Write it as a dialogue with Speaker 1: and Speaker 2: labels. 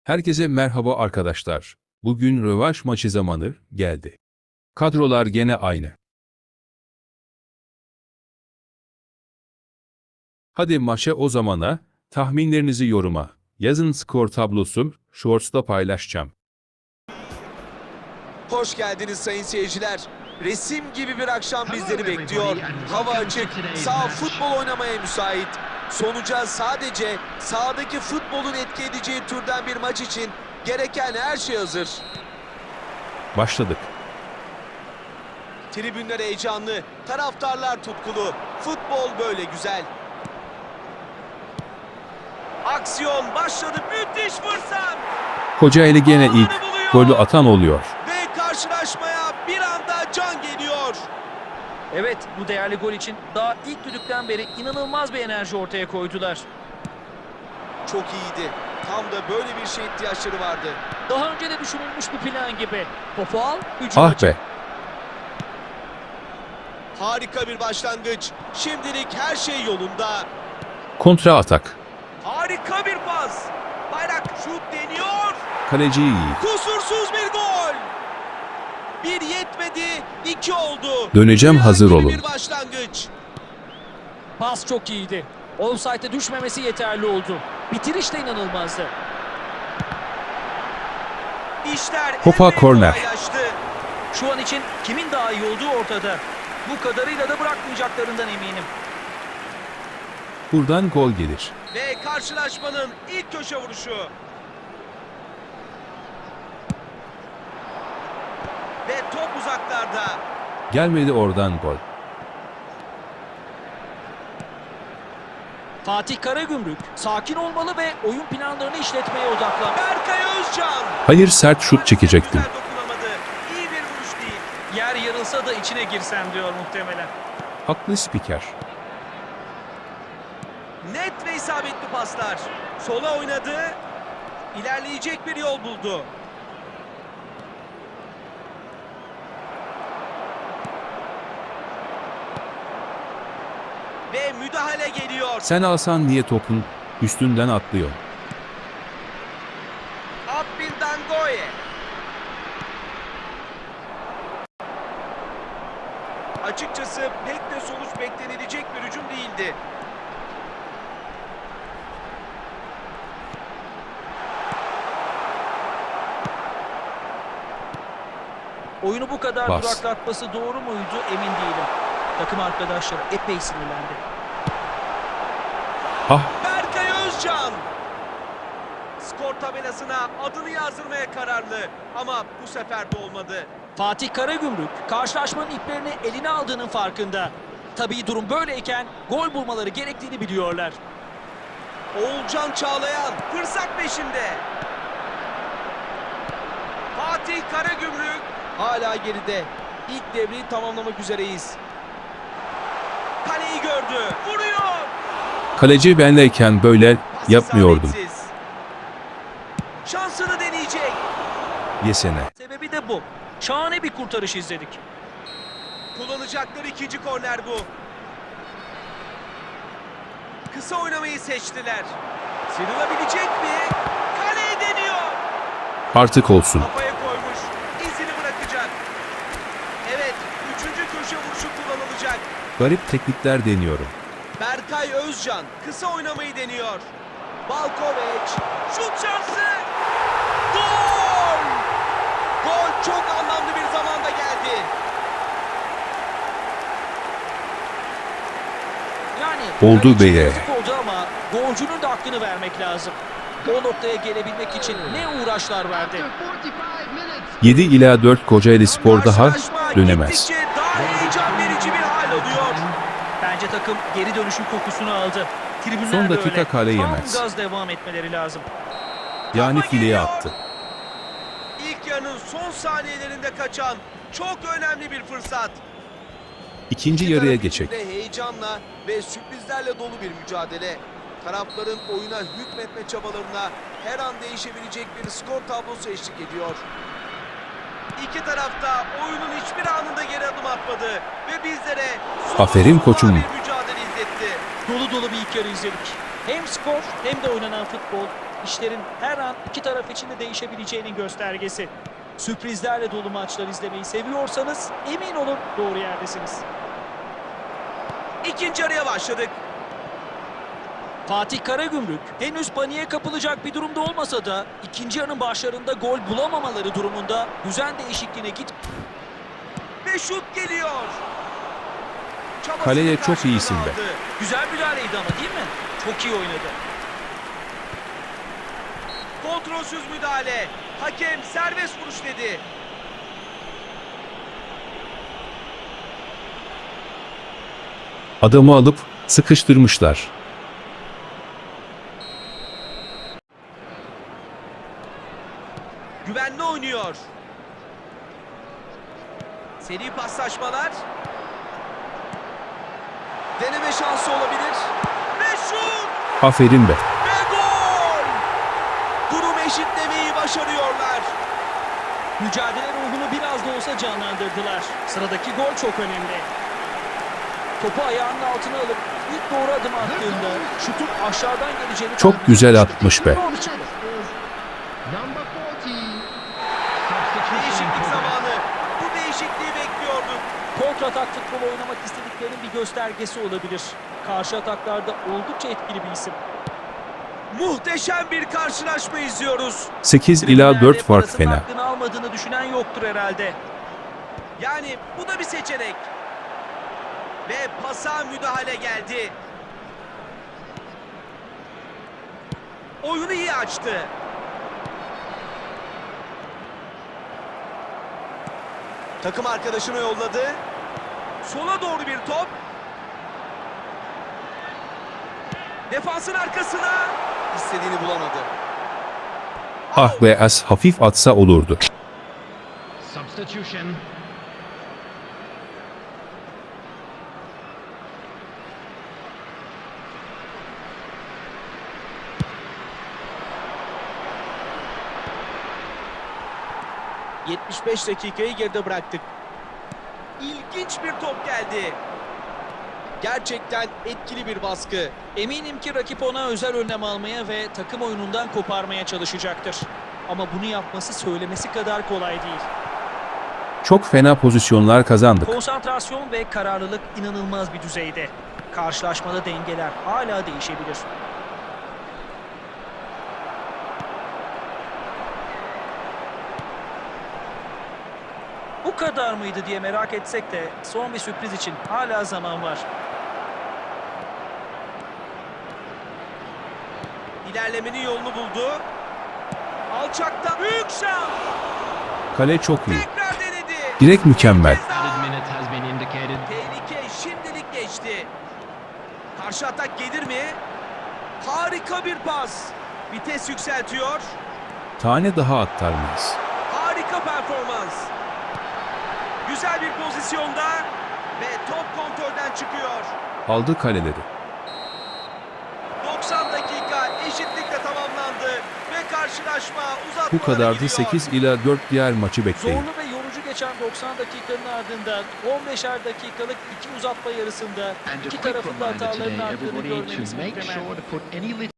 Speaker 1: Herkese merhaba arkadaşlar. Bugün rövanş maçı zamanı geldi. Kadrolar gene aynı. Hadi maça o zamana, tahminlerinizi yoruma yazın, skor tablosu Shorts'ta paylaşacağım.
Speaker 2: Hoş geldiniz sayın seyirciler. Resim gibi bir akşam bizleri bekliyor. Hava açık, saha futbol oynamaya müsait. Sonuca sadece sahadaki futbolun etki edeceği türden bir maç için gereken her şey hazır.
Speaker 1: Başladık.
Speaker 2: Tribünler heyecanlı, taraftarlar tutkulu. Futbol böyle güzel. Aksiyon başladı, müthiş fırsat.
Speaker 1: Kocaeli gene ilk golü atan oluyor.
Speaker 2: Ve karşılaşmaya bir anda can geliyor.
Speaker 3: Evet, bu değerli gol için daha ilk düdükten beri inanılmaz bir enerji ortaya koydular.
Speaker 2: Çok iyiydi. Tam da böyle bir şeye ihtiyaçları vardı.
Speaker 3: Daha önce de düşünülmüş bir plan gibi. Topu al, hücum
Speaker 1: Ah
Speaker 3: açı.
Speaker 1: be!
Speaker 2: Harika bir başlangıç. Şimdilik her şey yolunda.
Speaker 1: Kontra atak.
Speaker 2: Harika bir pas. Bayrak şut deniyor.
Speaker 1: Kaleci iyi.
Speaker 2: Kusursuz bir gol. Bir yetmedi, iki oldu.
Speaker 1: Döneceğim,
Speaker 2: Rüya
Speaker 1: hazır
Speaker 2: gibi
Speaker 1: olun.
Speaker 2: bir başlangıç.
Speaker 3: Pas çok iyiydi. Offside'e düşmemesi yeterli oldu. Bitiriş de inanılmazdı.
Speaker 2: İşler
Speaker 1: Topa
Speaker 2: epey
Speaker 1: korner.
Speaker 2: kolaylaştı.
Speaker 3: Şu an için kimin daha iyi olduğu ortada. Bu kadarıyla da bırakmayacaklarından eminim.
Speaker 1: Buradan gol gelir.
Speaker 2: Ve karşılaşmanın ilk köşe vuruşu. Ve top uzaklarda.
Speaker 1: Gelmedi, oradan gol.
Speaker 3: Fatih Karagümrük sakin olmalı ve oyun planlarını işletmeye odaklan.
Speaker 2: Berkay Özcan.
Speaker 1: Hayır, sert şut çekecektim.
Speaker 2: Güzel dokunamadı. İyi bir vuruş değil.
Speaker 3: Yer yarılsa da içine girsem diyor muhtemelen.
Speaker 1: Haklı spiker.
Speaker 2: Net ve isabetli paslar. Sola oynadı. İlerleyecek bir yol buldu. Ve müdahale geliyor.
Speaker 1: Sen alsan niye topun üstünden atlıyor?
Speaker 2: Abbil Dangoye. Açıkçası pek de sonuç beklenilecek bir hücum değildi.
Speaker 3: Oyunu bu kadar
Speaker 1: Bas.
Speaker 3: duraklatması doğru muydu emin değilim. Takım arkadaşları epey sinirlendi.
Speaker 1: Ah,
Speaker 2: Berkay Özcan. Skor tabelasına adını yazdırmaya kararlı ama bu sefer de olmadı.
Speaker 3: Fatih Karagümrük karşılaşmanın iplerini eline aldığının farkında. Tabii durum böyleyken gol bulmaları gerektiğini biliyorlar.
Speaker 2: Oğulcan Çağlayan fırsat peşinde. Fatih Karagümrük hala geride. İlk devreyi tamamlamak üzereyiz. Kaleyi gördü. Vuruyor.
Speaker 1: kaleci benleyken böyle
Speaker 2: Pas
Speaker 1: yapmıyordum.
Speaker 2: isabetsiz. Şansını deneyecek.
Speaker 1: Yesene.
Speaker 3: Sebebi de bu. Şahane bir kurtarış izledik.
Speaker 2: Kullanacakları ikinci korner bu. Kısa oynamayı seçtiler. Sıyrılabilecek mi? Kaleye deniyor.
Speaker 1: Artık olsun.
Speaker 2: Kafaya koymuş. İzini bırakacak. Evet, üçüncü köşe vuruşu kullanılacak.
Speaker 1: Garip teknikler deniyorum.
Speaker 2: Berkay Özcan kısa oynamayı deniyor. Balkovic şut şansı. Gol! Gol çok anlamlı bir zamanda geldi.
Speaker 3: Yani
Speaker 1: Oldu
Speaker 3: kaleciye
Speaker 1: be.
Speaker 3: yazık oldu ama golcünün de hakkını vermek lazım. O noktaya gelebilmek için ne uğraşlar verdi.
Speaker 1: 7 ila 4 Kocaeli Spor daha
Speaker 2: Karşılaşma
Speaker 1: dönemez.
Speaker 2: gittikçe daha heyecan verici bir hal alıyor.
Speaker 3: Bence takım geri dönüşün kokusunu aldı. Tribünler
Speaker 1: Son
Speaker 3: de
Speaker 1: dakika
Speaker 3: öyle.
Speaker 1: kale
Speaker 3: Tam
Speaker 1: yemez.
Speaker 3: gaz devam etmeleri lazım.
Speaker 1: Yani
Speaker 2: Kafa
Speaker 1: fileye
Speaker 2: geliyor.
Speaker 1: attı.
Speaker 2: İlk yarının son saniyelerinde kaçan çok önemli bir fırsat.
Speaker 1: İkinci
Speaker 2: İki
Speaker 1: yarıya
Speaker 2: taraf
Speaker 1: geçecek.
Speaker 2: içinde heyecanla ve sürprizlerle dolu bir mücadele. Tarafların oyuna hükmetme çabalarına her an değişebilecek bir skor tablosu eşlik ediyor. İki tarafta oyunun hiçbir anında geri adım atmadı ve bizlere
Speaker 1: Aferin
Speaker 2: sonsuzluğa
Speaker 1: koçum.
Speaker 2: bir mücadele izletti.
Speaker 3: Dolu dolu bir ilk yarı izledik. Hem skor hem de oynanan futbol işlerin her an iki taraf için de değişebileceğinin göstergesi. Sürprizlerle dolu maçlar izlemeyi seviyorsanız emin olun doğru yerdesiniz.
Speaker 2: İkinci yarıya başladık.
Speaker 3: Fatih Karagümrük henüz paniğe kapılacak bir durumda olmasa da ikinci yarının başlarında gol bulamamaları durumunda düzen değişikliğine git.
Speaker 2: Ve şut geliyor. Çabasını
Speaker 1: Kaleye çok
Speaker 2: karşılığını
Speaker 1: iyisin be.
Speaker 2: aldı.
Speaker 3: Güzel müdahaleydi ama değil mi? Çok iyi oynadı.
Speaker 2: Kontrolsüz müdahale. Hakem serbest vuruş dedi.
Speaker 1: Adamı alıp sıkıştırmışlar.
Speaker 2: Güvenli oynuyor. Seri paslaşmalar. Deneme şansı olabilir. Ve şut!
Speaker 1: Aferin be.
Speaker 2: Ve gol! Durum eşitlemeyi başarıyorlar.
Speaker 3: Mücadele ruhunu biraz da olsa canlandırdılar. Sıradaki gol çok önemli. Topu ayağının altına alıp ilk doğru adım attığında şutun aşağıdan geleceğini
Speaker 1: Çok
Speaker 3: tahmin
Speaker 1: güzel
Speaker 3: etmişti.
Speaker 1: atmış be.
Speaker 3: Doğru çıktı.
Speaker 2: Değişiklik zamanı. Bu değişikliği bekliyorduk.
Speaker 3: Kontratak futbol oynamak istediklerinin bir göstergesi olabilir. Karşı ataklarda oldukça etkili bir isim.
Speaker 2: Muhteşem bir karşılaşma izliyoruz.
Speaker 1: 8 ila
Speaker 3: Tribünlerde
Speaker 1: 4 fark
Speaker 3: parasının
Speaker 1: fena.
Speaker 3: hakkını almadığını düşünen yoktur herhalde.
Speaker 2: Yani bu da bir seçenek. Ve pasa müdahale geldi. Oyunu iyi açtı. Takım arkadaşına yolladı. Sola doğru bir top. Defansın arkasına. İstediğini bulamadı.
Speaker 1: Ah be, az hafif atsa olurdu.
Speaker 4: Substitution.
Speaker 2: Oh! 75 dakikayı geride bıraktık. İlginç bir top geldi. Gerçekten etkili bir baskı.
Speaker 3: Eminim ki rakip ona özel önlem almaya ve takım oyunundan koparmaya çalışacaktır. Ama bunu yapması söylemesi kadar kolay değil.
Speaker 1: Çok fena pozisyonlar kazandık.
Speaker 3: Konsantrasyon ve kararlılık inanılmaz bir düzeyde. Karşılaşmada dengeler hala değişebilir. Bu kadar mıydı diye merak etsek de son bir sürpriz için hala zaman var.
Speaker 2: İlerlemenin yolunu buldu. Alçakta büyük şans.
Speaker 1: Kale çok iyi.
Speaker 2: Tekrar denedi.
Speaker 1: Direkt mükemmel.
Speaker 2: Bir kez daha.
Speaker 4: Added minute has been indicated.
Speaker 2: Tehlike şimdilik geçti. Karşı atak gelir mi? Harika bir pas. Vites yükseltiyor.
Speaker 1: Tane daha atlar mıyız?
Speaker 2: Harika performans. Güzel bir pozisyonda ve top kontrolden çıkıyor.
Speaker 1: Aldı kaleleri.
Speaker 2: 90 dakika eşitlikle tamamlandı ve karşılaşma uzatmalara
Speaker 1: Bu kadardı.
Speaker 2: gidiyor.
Speaker 1: 8 ila 4 diğer maçı bekleyin.
Speaker 3: Zorlu ve yorucu geçen 90 dakikanın ardından 15'er dakikalık iki uzatma yarısında
Speaker 4: And a
Speaker 3: iki
Speaker 4: quick
Speaker 3: tarafın da
Speaker 4: reminder
Speaker 3: hatalarının
Speaker 4: today,
Speaker 3: arttığını
Speaker 4: everybody,
Speaker 3: görmemiz
Speaker 4: to make
Speaker 3: muhtemel.
Speaker 4: sure to put any